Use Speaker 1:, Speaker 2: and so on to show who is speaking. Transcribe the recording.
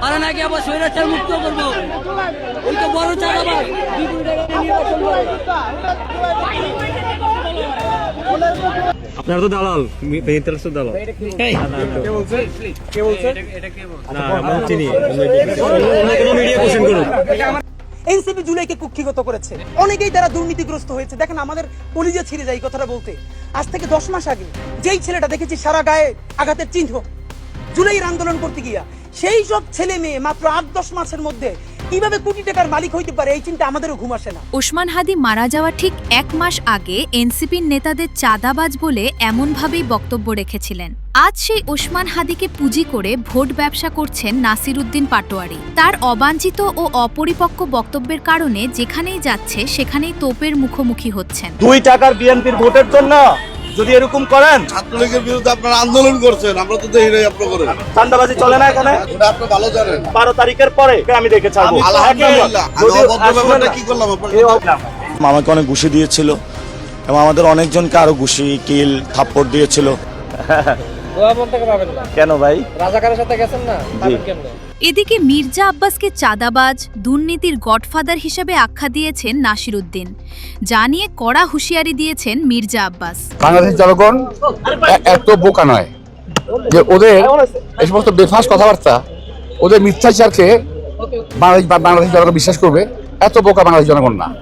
Speaker 1: তারা নাকি আবার স্বৈরাচার মুক্ত করবো। ওই তো বড় চাঁদাবাজ বিপুল টাকা নিয়ে নির্বাচন করে।
Speaker 2: আপনারা তো দালাল, মেহেন্দ্র তো দালাল।
Speaker 3: এনসিপি জুলাইকে কুক্ষিগত করেছে, অনেকেই তারা দুর্নীতিগ্রস্ত হয়েছে। দেখেন আমাদের কলিজা ছিঁড়ে যায় কথাটা বলতে। আজ থেকে 10 মাস আগে যেই ছেলেটা দেখেছি সারা গায়ে আঘাতের চিহ্ন জুলাইয়ের আন্দোলন করতে গিয়া, সেই সব ছেলে মেয়ে মাত্র 8-10 মাসের মধ্যে কিভাবে কোটি টাকার মালিক হইতে পারে, এই চিন্তা আমাদেরও ঘুম আসে না।
Speaker 4: ওসমান হাদি মারা যাওয়ার ঠিক 1 মাস আগে এনসিপির নেতাদের চাঁদাবাজ বলে এমনভাবেই বক্তব্য রেখেছিলেন। আজ সেই ওসমান হাদিকে পুঁজি করে ভোট ব্যবসা করছেন নাসিরউদ্দিন পাটোয়ারি। তার অবাঞ্ছিত ও অপরিপক্ক বক্তব্যের কারণে যেখানেই যাচ্ছে সেখানেই তোপের মুখোমুখি হচ্ছেন।
Speaker 5: 2 টাকার বিএনপির ভোটের জন্য যদি এরকম করেন,
Speaker 6: ছাত্রলীগের বিরুদ্ধে আপনারা আন্দোলন করছেন, আমরা তো দেখি নাই আপনারা করেন।
Speaker 5: চাঁদাবাজি চলে না এখানে,
Speaker 6: ওটা আপনি ভালো জানেন।
Speaker 5: 12 তারিখের পরে আমি দেখে ছাড়বো।
Speaker 6: আলহামদুলিল্লাহ, আমি অভদ্র ব্যাপারটা কি করলাম আপনারা?
Speaker 7: আমাকে অনেক ঘুষি দিয়েছিল এবং আমাদের অনেকজনকে আরো ঘুষি, কিল, থাপ্পড় দিয়েছিল।
Speaker 5: কেন ভাই?
Speaker 3: রাজাকারের সাথে গেছেন না, কেমনে?
Speaker 4: এদিকে মির্জা আব্বাসকে চাঁদাবাজ, দুর্নীতির গডফাদার হিসেবে আখ্যা দিয়েছেন নাসিরউদ্দিন, যা নিয়ে কড়া হুঁশিয়ারি দিয়েছেন মির্জা আব্বাস।
Speaker 8: বাংলাদেশের জনগণ এত বোকা নয় যে ওদের এই সমস্ত বেফাস কথাবার্তা, ওদের মিথ্যাচারকে বাংলাদেশ জনগণ বিশ্বাস করবে। এত বোকা বাংলাদেশ জনগণ না।